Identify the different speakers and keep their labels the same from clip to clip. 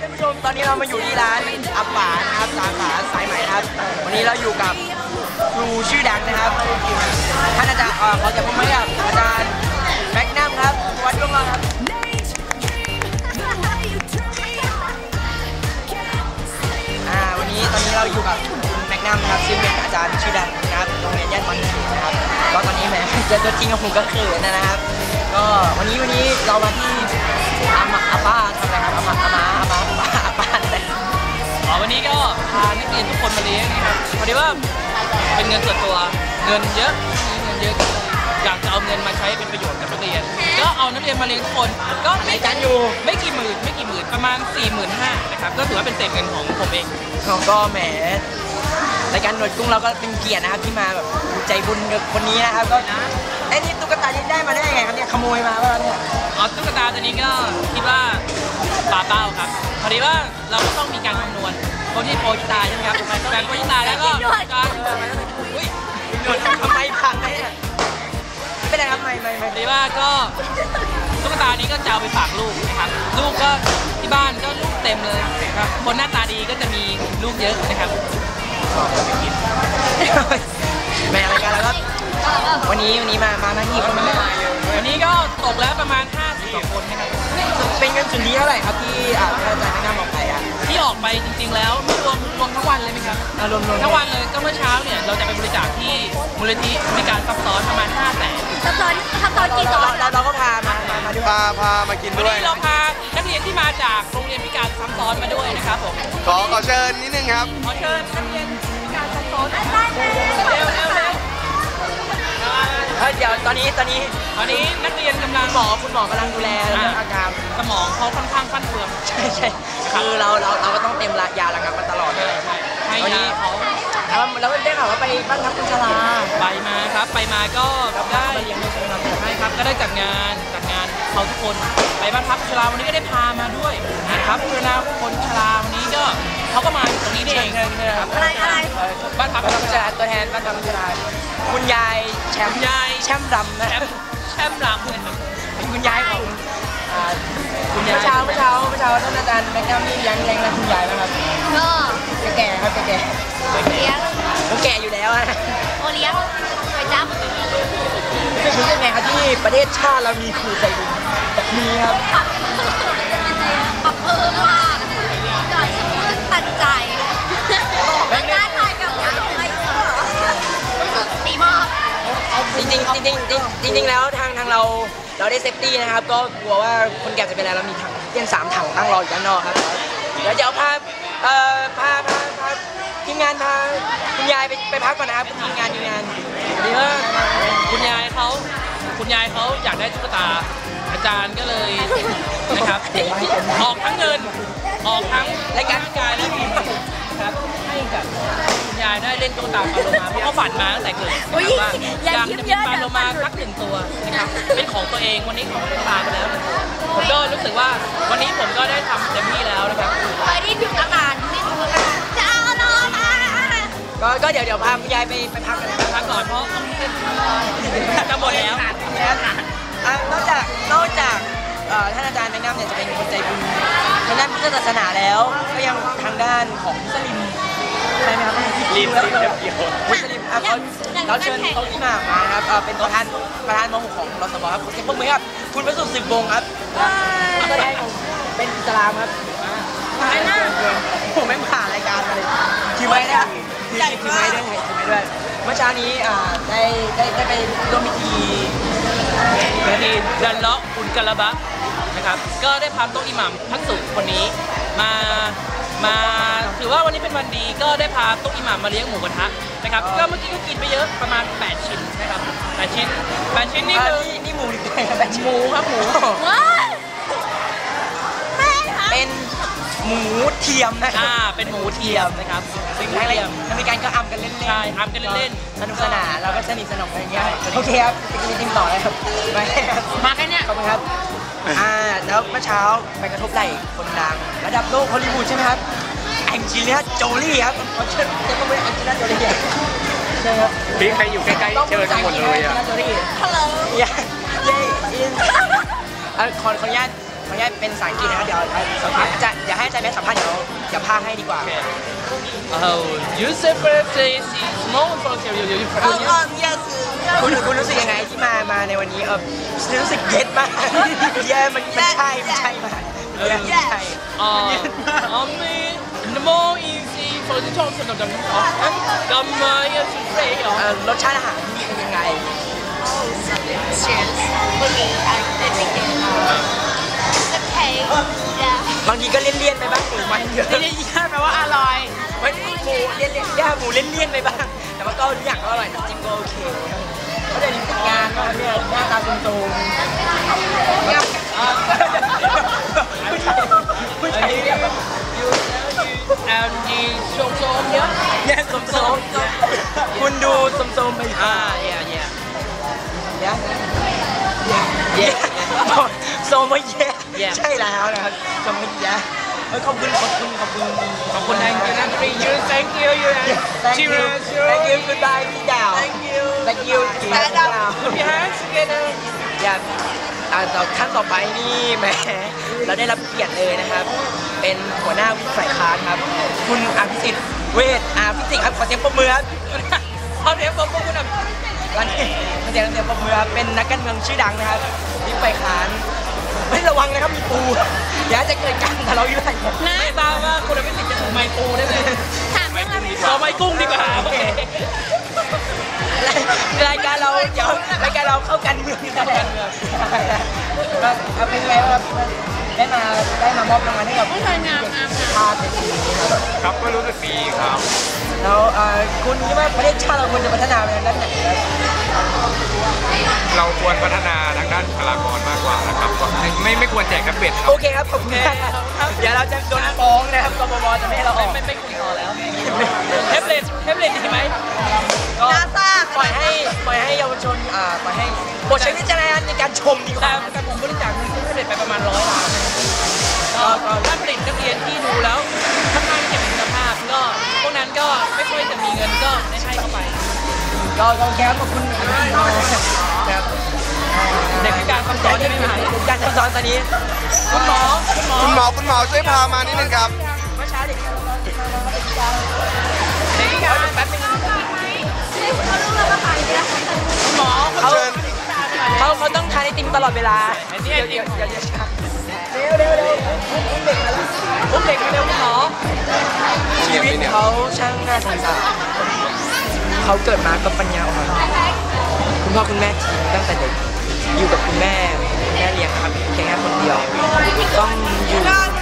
Speaker 1: ท่านผู้ชมตอนนี้เรามาอยู่ที่ร้านอัปปานะครับสาขาสายใหม่ครับวันนี้เราอยู่กับครูชื่อดังนะครับท่านอาจารย์ขอจะพูดไหมครับอาจารย์แม็กนัมครับวัดดวงเราครับวันนี้ตอนนี้เราอยู่กับแม็กนัมนะครับซึ่งเป็นอาจารย์ชื่อดังนะครับโรงเรียนย่านบางเขนนะครับก็ตอนนี้แหมเจอตัวจริงกับผมก็เขินนะครับก็วันนี้เรามาที่อาป้าทำอะไรครับอาป้าอะไร
Speaker 2: วันนี้ก็พานักเรียนทุกคนมาเลี้ยงนะครับพอดีว่าเป็นเงินส่วนตัวเงินเยอะอยากจะเอาเงินมาใช้เป็นประโยชน์กับนักเรียนก็เอานักเรียนมาเลี้ยงทุกคนก็
Speaker 1: ไม่กันอยู่
Speaker 2: ไม่กี่หมื่นประมาณ 45,000นะครับก็ถือว่าเป็นเศษเงินของผมเอง
Speaker 1: ก็แหมรายการหนวดกุ้งเราก็เป็นเกียรตินะครับที่มาแบบใจบุญกับคนนี้นะครับก็ไอ้นี่ตุ๊กตาได้มาได้ยังไงครับเนี่ยขโมยมาป่ะเนี่ย
Speaker 2: ตุ๊กตาตัวนี้ก็คิดว่าปลาเป้าครับพอดีว่าเราก็ต้องมีการคำนวณคนที่โปรยตาใช่ไหมครับแบ่งโปรยตาแล้วก็การ
Speaker 1: อุ้ยหนวดทำไมพังเนี่ยไม่ได้ครับไม่
Speaker 2: พอดีว่าก็ตุ๊กตานี้ก็จะเอาไปฝากลูกนะครับลูกก็ที่บ้านก็ลูกเต็มเลยครับคนหน้าตาดีก็จะมีลูกเยอะนะครับ
Speaker 1: แม่รายการแล้วก็วันนี้มานั่งกี่คน
Speaker 2: วันนี้ก็ตกแล้วประมาณ50 กว่าคนนะครับ
Speaker 1: เป็นเงินส่วนนี้เท่าไหร่ครับที่อาจารย์แนะนำออกไป
Speaker 2: ที่ออกไปจริงๆแล้วไม่รวมทั้งวันเลยไหมครับ
Speaker 1: รวม
Speaker 2: ทั้งวันเลยก็เมื่อเช้าเนี่ยเราจะไปบริจาคที่มูลนิธิมีการซับซ้อนประมาณ500,000
Speaker 3: ซับซ้อนกี่ซ้อน
Speaker 1: เราก็พาด้วย
Speaker 4: พามากินด้วย
Speaker 2: วันนี้เราพานักเรียนที่มาจากโรงเรียนพิการซับซ้อนมาด้วยนะครับผม
Speaker 4: ขอเชิญนิดนึงครับ
Speaker 2: ขอเชิญนักเรียนพิการซับซ้อนเ
Speaker 1: ดี๋ยวตอนนี้
Speaker 2: นักเรียนกำลัง
Speaker 1: คุณหมอกำลังดูแลเรื่องอาการ
Speaker 2: สมองเขาค่อนข้างฟั่นเฟือน
Speaker 1: ใช่คือเราก็ต้องเต็มยาระงับมันตลอดเลย
Speaker 2: ให้ยาเขา
Speaker 1: แล้วได้ข่าวว่าไปบ้านพักคนชรา
Speaker 2: ไปมาครับไปมาก็ได้ใช่ครับก็ได้จัดงานเขาทุกคนไปบ้านพักคนชราวันนี้ก็ได้พามาด้วยนะครับเพื่อนคนชราวันนี้ก็เขาก็มาตรงนี้เอง
Speaker 3: อะไร
Speaker 2: บ้านพักคนชรา
Speaker 1: ตัวแทนบ้านพักคนชราคุณยายแชมป์รำนะ
Speaker 2: แชมป์รำเลย
Speaker 1: คุณยายของเมื่อเช้าท่านอาจารย์แม็กนัมนี่ยังนะคุณยายนะครับก็แก่ครับแก่
Speaker 3: เลี้ยง
Speaker 1: แก่อยู่แล้วอะ
Speaker 3: โอเลี้ยงไปจับ
Speaker 1: รู้ยังไงครับที่ประเทศชาติเรามีครูใจบุญแบบนี้ครับ
Speaker 3: มากก่อนจะพูดตัดใจไม่ได้ถ่ายกับอะไรดีมาก
Speaker 1: จริงแล้วทางเราได้เซฟตี้นะครับก็กลัวว่าคนแก่จะเป็นอะไรเรามีถังเตียง3 ถังตั้งรออยู่ด้านนอกครับเดี๋ยวจะเอาพาทีมงานพาคุณยายไปพักก่อนนะครับทีมงาน
Speaker 2: ดีว่าคุณยายเขาอยากได้ตุ๊กตาอาจารย์ก็เลยนะครับออกทั้งเงินออกทั้ง
Speaker 1: รายการ
Speaker 2: กายและทีมครับให้กับคุณยายได้เล่นตุ๊กตาปลาโลมาเพราะเขาฝันมาตั้งแต่เกิดว่าอยากจะมีปลาโลมาสัก1 ตัวนะครับเป็นของตัวเองวันนี้ของตุ๊กตาไปแล้วผมก็รู้สึกว่าวันนี้ผมก็ได้ทำเต็มที่แล้วนะครับ
Speaker 3: เคยได้ถึงอาการจะเอาโลมา
Speaker 1: ก็เดี๋ยวพาคุณยายไปพัก
Speaker 2: ก่อนเพราะจะหมดแล้ว
Speaker 1: นอกจากท่านอาจารย์แนะนำเนี่ยจะเป็นคนใจบุญทางด้านพุทธศาสนาแล้วก็ยังทางด้านของมุสลิมใช่ไหมครับ
Speaker 4: ลิม
Speaker 1: มุสลิมเราเชิญเขาที่มาครับเป็นประธานม.6ของรสบครับขอเสียงปรบมือครับคุณประสุทธิ์10 วงครับก็ได้เป็นอิสลามครับผมไม่ผ่านรายการมาเลยถือไม้ได้ถือไม้ด้วยเมื่อเช้านี้ได้ไปร่วมพิธี
Speaker 2: ดันเลาะอุลกะละบะนะครับก็ได้พาโต๊ะอิหม่ามทักษุคนนี้มาถือว่าวันนี้เป็นวันดีก็ได้พาโต๊ะอิหม่ามมาเลี้ยงหมูกระทะนะครับก็เมื่อกี้ก็กินไปเยอะประมาณ8 ชิ้นนะครับ8 ชิ้นนี่คือ
Speaker 1: นี่หมูหรือไก่ครับ
Speaker 2: หมูครับหมู
Speaker 1: เป็นหมูเทียมนะครับ
Speaker 2: เป็นหมูเทียมนะครับ
Speaker 1: ซึ่งทางรายการก็อัมกันเล่น
Speaker 2: ใช่อัมกันเล่น
Speaker 1: สนุกสนานเราก็สนิทสนมกันอย่างเงี้ยโอเคครับไปกินติมต่อเลยครับ
Speaker 2: มาแค่นี้
Speaker 1: ขอบคุณครับแล้วเมื่อเช้าไปกระทบไหล่คนดังระดับโลกฮอลลีวูดใช่ไหมครับแองเจลิน่าโจลี่ครับเขาเชิญมาเป็นแองเจลิน่าโจลี่ใช่ครับ
Speaker 4: พี่ใครอยู่ใกล้ๆเชิญทั้งหมดเลย
Speaker 1: ฮัลโหลขออนุญาตเป็นภาษาอังกฤษนะครับเดี๋ยวให้อาจารย์แม่สัมภาษณ์เดี๋ยวพากให้ดีกว่า
Speaker 2: You separate is small from you.
Speaker 3: yes
Speaker 1: คุณรู้สึกยังไงที่มาในวันนี้รู้สึกเย็ดมากเย้มันใช่มากใช่
Speaker 2: I mean, the more easy for the Thompson of the
Speaker 1: รสชาติอาหารที่นี่เป็นยังไง
Speaker 3: delicious for me I think it's okay yeah
Speaker 1: บางทีก็เลี่ยนๆไปบ้างหมูมันเยอะ
Speaker 2: เลี่ยนแปลว่าอร่อย
Speaker 1: ไม่หมูเลี่ยนๆย่าหมูเลี่ยนๆไปบ้างแต่ว่าก็ทุกอย่างก็อร่อยน้ำจิ้มก็โอเคก็เดี๋ยวนี้ฝึกงานมาเนี่ยหน้าตาตรงๆผู้ชายเรียก
Speaker 2: and the ส้มๆเยอะ
Speaker 1: แย่สมคุณดูสมๆไป
Speaker 2: yeah
Speaker 1: โซมาแย่ใช่แล้วนะครับโซมาแย่ขอบคุณ
Speaker 2: thank you cheers
Speaker 1: thank you goodbye พี่ดาว thank you พี่ดาว
Speaker 2: put your hands together
Speaker 1: ขั้นต่อไปนี่แหมเราได้รับเกียรติเลยนะครับเป็นหัวหน้าวิฝ่ายค้านครับคุณอภิสิทธิ์เวชพิสิทธิ์ครับขอเสียงปรบมือครับขอเสียงปรบมือคุณตอนนี้ขอเสียงปรบมือเป็นนักการเมืองชื่อดังนะครับวิฝ่ายค้านไม่ระวังนะครับมีปูเดี๋ยวจะเกิดการทะเลาะวิวาท
Speaker 2: ไม่ทราบว่าคุณอภิสิทธิ์จะถูกไมปูได้ไหม
Speaker 3: ถามเรื่องอะไร
Speaker 2: เอาไมกุ้งดีกว่าโอเค
Speaker 1: รายการเราเข้ากันเมืองเข้ากันเมืองเอาเป็นไงครับได้มามอบรางวัลให้กับผู้ชายงามภาพในปีนี้ครับ
Speaker 4: ก็รู้สึกดีครับ
Speaker 1: แล้วคุณคิดว่าประเทศชาติเราควรจะพัฒนาไปทางด้านไหนครับ
Speaker 4: เราควรพัฒนาทางด้านบุคลากรมากกว่านะครับก็ไม่ควรแจกแท็บเล็ตครับ
Speaker 1: โอเคครับขอบคุณมากครับเดี๋ยวเราจะโดนฟ้องนะครับกบฏจะไม่ให้เราออก
Speaker 2: ไม่คุยต่อแล้วเทปเล็ตดีไหม
Speaker 1: ก็ปล่อยให้เยาวชนปล่อยให้โปรดใช้วิจารณญาณในการชมดีกว่า
Speaker 2: แต่ผมบริจาคเงินซื้อเทปเล็ตไปประมาณ100 ล้านก็ถ้าผลิตนักเรียนที่ดูแล้วค่อนข้างจะมีคุณภาพก็พวกนั้นก็ไม่ค่อยจะมีเงินก็ได้ให้เข้าไป
Speaker 1: ก็แก้ขอบคุณครับ
Speaker 2: เด็กพิการคำสอนจะไม่หาย
Speaker 1: การสอนตอนนี้
Speaker 2: คุณหมอ
Speaker 4: คุณหมอช่วยพามานิดนึงครับ
Speaker 1: เมื่อเช้าเด็ก
Speaker 2: เด็กพิการแป๊บนึง
Speaker 3: เขารู้แล้วว่าใครเนี่ย
Speaker 2: คุณหมอ
Speaker 1: เขาต้องทานไอติมตลอดเวลาเดี๋ยวช้าเร็ว
Speaker 2: อุ้มเด็กมาเร็วคุณหมอ
Speaker 1: ชีวิตเขาช่างน่าสงสารเขาเกิดมาก็ปัญญาอ่อนคุณพ่อคุณแม่ทิ้งตั้งแต่เด็กอยู่กับคุณแม่เลี้ยงครับแค่คนเดียวต้องอยู่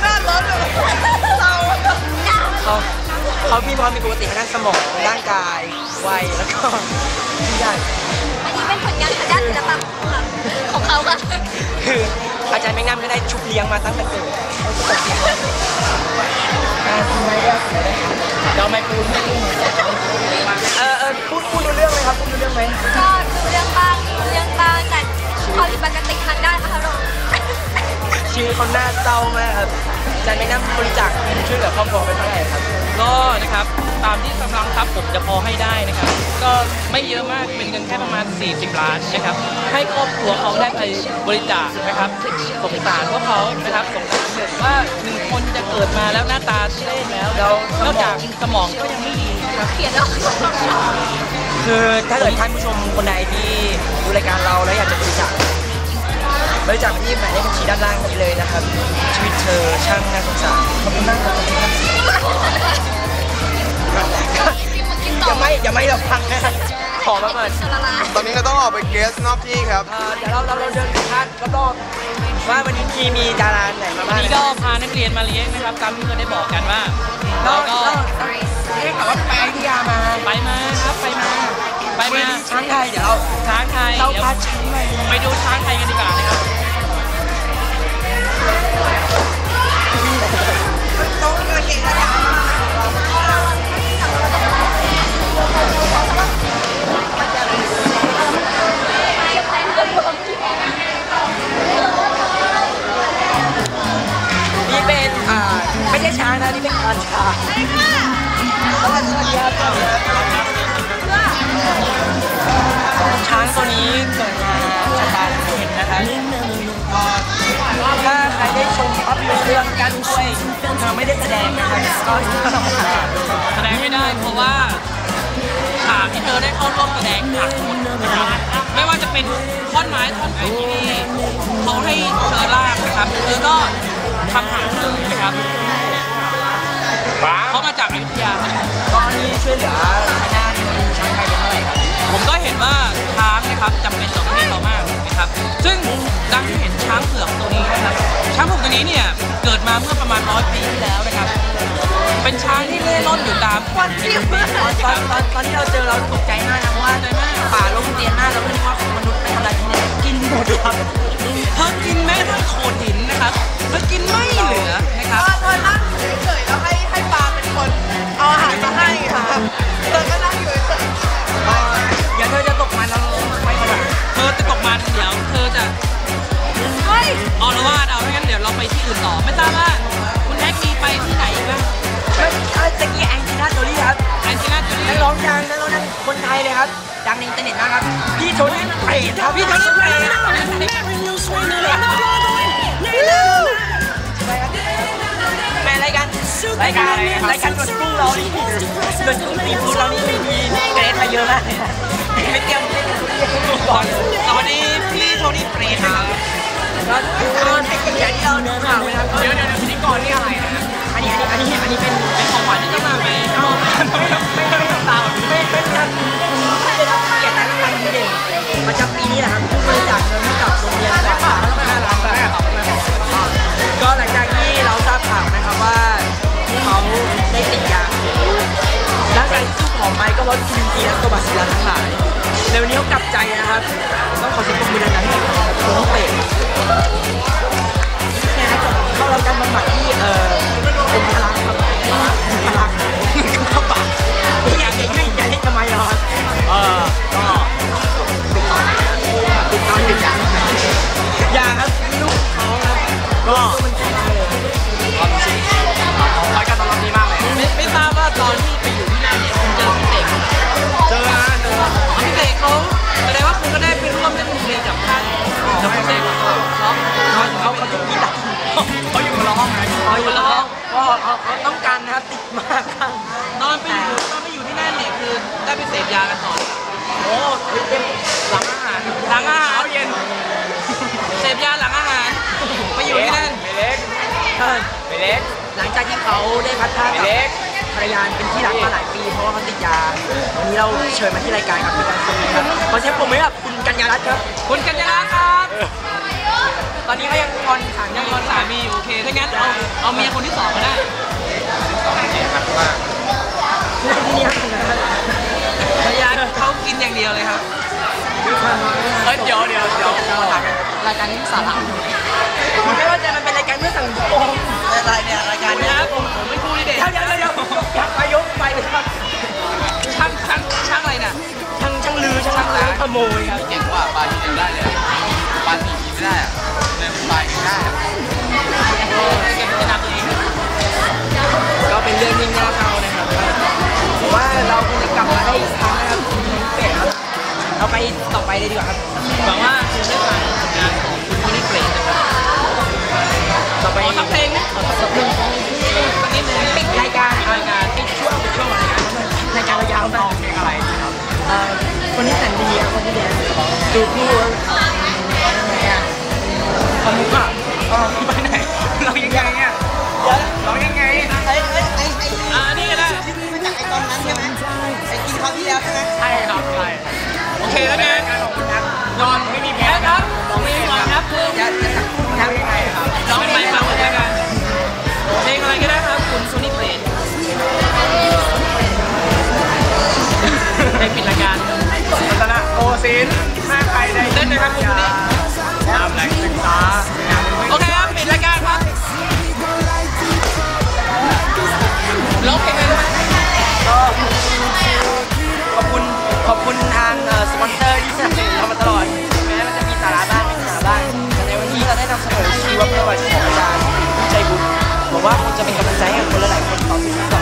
Speaker 1: เขามีความผิดปกติทางด้านสมองร่างกายวัยแล้วก็ทุกอย่าง
Speaker 3: อันนี้เป็นผลงานทางด้านศิลปะของเขาค่ะ
Speaker 1: คืออาจารย์แมงน้ำก็ได้ชุบเลี้ยงมาตั้งแต่เกิดคุณไม่ได้เราไม่พูดพูดดูเรื่องไหมครับพูดดูเรื่องไหม
Speaker 3: ก็ดูเรื่องบ้างแต่ความผิดปกติทางด้านอารมณ์
Speaker 1: ชีวิตเขาน่าเศร้ามากครับอาจารย์แมงน้ำบริจาคเงินช่วยเหลือครอบครัวไปเท่าไหร่ครับ
Speaker 2: ก็นะครับตามที่กำลังทรัพย์ผมจะพอให้ได้นะครับก็ไม่เยอะมากเป็นเงินแค่ประมาณ40 ล้านนะครับให้ครอบครัวเขาได้ไปบริจาคนะครับสงสารพวกเขานะครับสงสารแบบว่า1 คนจะเกิดมาแล้วหน้าตาทุเรศแล้วนอกจากสมองก็ยังไม่ดีนะครับ
Speaker 3: เขียนแล้ว
Speaker 1: คือถ้าเกิดท่านผู้ชมคนใดที่ดูรายการเราแล้วอยากจะบริจาคไปที่หมายเลขบัญชีด้านล่างนี้เลยนะครับชีวิตเธอช่างน่าสงสารขอบคุณมากครับอย่าไม่เราพังนะครับขอมาก่อน
Speaker 4: ตอนนี้เราต้องออกไปเกสนอกที่ครับ
Speaker 1: เดี๋ยวเราเดินผ่านรอบๆว่าวันนี้มีดาราไหนมา
Speaker 2: วั
Speaker 1: บ้าน ง
Speaker 2: นี้ก็พานักเรียนมาเลี้ยงนะครับตามที่เคยได้บอกกันว่าเราก็
Speaker 1: ได้ข่าวว่าไปอยุธยามา
Speaker 2: ไปมาครับไปมา
Speaker 1: ช้างไทยเดี๋ยวเรา
Speaker 2: ช้างไทย
Speaker 1: เรา
Speaker 2: เดี๋ยว
Speaker 1: พาช้างมา
Speaker 2: ไปดูช้างไทยกันดีกว่านะครับ
Speaker 1: ต้องเกิดเหตุอะไรนี่เป็นไม่ใช่ช้างนะนี่เป็นควานช้างสวัสดีครับช้างตัวนี้เกิดมาจากการเห็นนะครับถ้าใครได้ชมภาพยนตร์เรื่องการกล้วยก็
Speaker 2: แสดงไม่ได้เพราะว่าฉากที่เธอได้เข้าร่วมแสดงหักหมดนะครับไม่ว่าจะเป็นท่อนไม้ท่อนไหนที่เขาให้เธอลากนะครับเธอก็ทำหักเลยนะครับเขามาจากอยุธยา
Speaker 1: ก็นี่ช่วยเหลือทางด้านช้างไทยเป็นเท่าไหร่ครับ
Speaker 2: ผมก็เห็นว่าช้างนะครับจำเป็นต่อประเทศเรามากนะครับซึ่งดังที่เห็นช้างเผือกตัวนี้นะครับช้างเผือกตัวนี้เนี่ยเกิดมาเมื่อประมาณ100 ปีที่แล้วนะครับเป็นช้างที่เล่ร่อนอยู่ตาม
Speaker 1: ตอนที่เราเจอเราตกใจมากนะเพราะว่าป่าลงเตียนมากเราไม่รู้ว่าของมนุษย์ไปทำอะไรที่ไหนกินหมดครับ
Speaker 2: เธอกินแม้ทั้งโขดหินนะครับเธอกินไม่เหลือนะครับ
Speaker 3: เธอนั่งเฉยๆแล้วให้ปลาเป็นคนเอาอาหารมาให้ครับเธอก็นั่งอยู่เฉย
Speaker 1: ๆเดี๋ยวเธอจะตกมันแล้วไม่ขนาด
Speaker 2: เธอจะตกมันเดี๋ยวเธอจะเอาละว่าเอาไม่งั้นเดี๋ยวเราไปที่อื่นต่อไม่ทราบว่าคุณแท็กมีไปที่ไหนบ้าง
Speaker 1: ตะกี้แองจิน่าโจลี่ครับ
Speaker 2: แองจิน่าโจลี่
Speaker 1: นักร้องดังคนไทยเลยครับดังในอินเทอร์เน็ตมากครับพี่โทนี่เปรตครับพี่โทนี่เปรตแม่รายการกดกุ้งเรานี่กดกุ้งตีฟูเรานี่มีเกรดมาเยอะมากไม่เตรียม
Speaker 2: ก่อนสวัสดีพี่โทนี่เปรตครับ
Speaker 1: ก็อย่างที่เราดูข่าวนะครับ
Speaker 2: เดี๋ยวพิธีกรนี่อะไรนะ
Speaker 1: อันนี้เป็น
Speaker 2: ของขวัญที่จะมาไหมไม่ทำตาม
Speaker 1: ไม่เป็นครับได้รับเกียรติรางวัลดีเด่นประจำปีนี้แหละครับผู้บริจาคเงินให้กับโรงเรียนสาขา5 ล้านบาทก็หลังจากที่เราทราบข่าวนะครับว่าเขาได้ติดยาร่างกายสู้ผอมไปก็เพราะกินกีและตัวบาซิลัสทั้งหลายในวันนี้เขากลับใจนะครับต้องขอเสียงปรบมือดังๆให้ตัวน้องเป็ดเข้ารับการบำบัดที่เป็นพลังครับพลังเข้าปากอยากให้ทำไมเหรอก็ติดตามอย่าครับลูกเขาครับก็มันใจได้เลย
Speaker 2: รายการตอนรับดีมากเลยไม่ทราบว่าตอนที่ไปอยู่ที่นั่นเนี่ยคุณเจอพี่เต๋พี่เต๋เขาแสดงว่าคุณก็ได้ไปร่วมเล่นดนตรีกับท่านกับพี่เต๋
Speaker 1: เขาจะมีดัก
Speaker 2: เขาอยู่คนละห้อง
Speaker 1: เขาอยู่ละห้องก็เขาต้องการนะครับติดมากครับ
Speaker 2: ตอนไปอยู่ที่นั่นเนี่ยคือได้ไปเสพยากันต่อ
Speaker 1: โอ้เต็มหลังอาหาร
Speaker 2: เย็นเสพยาหลังอาหารไปอยู่ที่นั่น
Speaker 1: ไม่เล็กหลังจากที่เขาได้พัดผ้ากับภรรยาเป็นที่รักมาหลายปีเพราะว่าเขาติดยาวันนี้เราเชิญมาที่รายการครับพี่บอลคนนี้ครับขอเชิญผมไหมครับคุณกัญญารัตน์ครับ
Speaker 2: คุณกัญญารัตน์ครับ
Speaker 1: ตอนนี้เขายังงอน
Speaker 2: สามีโอเคถ้างั้นเอาเมียคนที่2ก็ได้
Speaker 4: เจ็บมากว่า
Speaker 1: เนี่ย
Speaker 2: ภรรยาเขากินอย่างเดียวเลยครับเดี๋ยว
Speaker 1: รายการนี้สาระไม่ว่าจะมันเป็นรายการเพื่อสังคมอะไรเนี่ยรายการนี้
Speaker 2: ผมไม่พูดเด็ก
Speaker 1: เดี๋ยวยกไปเลยครับ
Speaker 2: ช่างอะไรน่ะ
Speaker 1: ช่างลือช่างขโมยครับ
Speaker 4: เก่งกว่าปลาที่ยังได้เลยปลาที่กินไม่ได้อะเดินปลากินได้
Speaker 1: ก็เป็นเรื่องยิ่งน่าเศร้านะครับว่าเราคงจะกลับมาได้อีกครั้งนะครับเราไปต่อไปเลยดีกว่าครับ
Speaker 2: หวังว่าคุณได้ฟังผลงานของคุณผู้นี้เกรดนะครับ
Speaker 1: ต่อไป
Speaker 2: สักเพลงนะสักเพลงสักนิดนึง
Speaker 1: ปิดรายการ
Speaker 2: ปิดช่วง
Speaker 1: รายการเรายาวมาก
Speaker 4: เพลงอะไรครับ
Speaker 1: คนนี้แสนดีครับคนที่แดนดูคู่
Speaker 2: คนมุกอ่ะไปไหนเรายังไงเนี่ยเรายังไงนี่ก็ได้
Speaker 1: มาจากไอ้ตอนนั้นใช่ไหมไอ้กินคราวที่แล้วใช่ไหม
Speaker 2: ใช่ครับใช่โอเคแล้วเนี่ยนอนไม่มีแพ้ครับไม่มีนอนครับ
Speaker 1: จะทำยังไงครับ
Speaker 2: ร้องไปฟังกันแล้วกันเพลงอะไรก็ได้ครับคุณโซนี่เพลนเพลงปิดรายการ
Speaker 4: รัตนโอศินหน้าใครได้
Speaker 2: เล่นเลยครับคุณนี่
Speaker 4: ตามแหล่งศึกษา
Speaker 2: โอเคครับปิดรายการครับร้องเพลงอะไรไหม
Speaker 1: ก็ขอบคุณทางสปอนเซอร์ที่สนับสนุนเรามาตลอดแม้มันจะมีสาระบ้างไม่มีสาระบ้างแต่ในวันนี้เราได้นำเสนอชีวประวัติของอาจารย์ชัยบุตรบอกว่าคงจะเป็นกำลังใจให้กับคนหลายๆคนต่อไป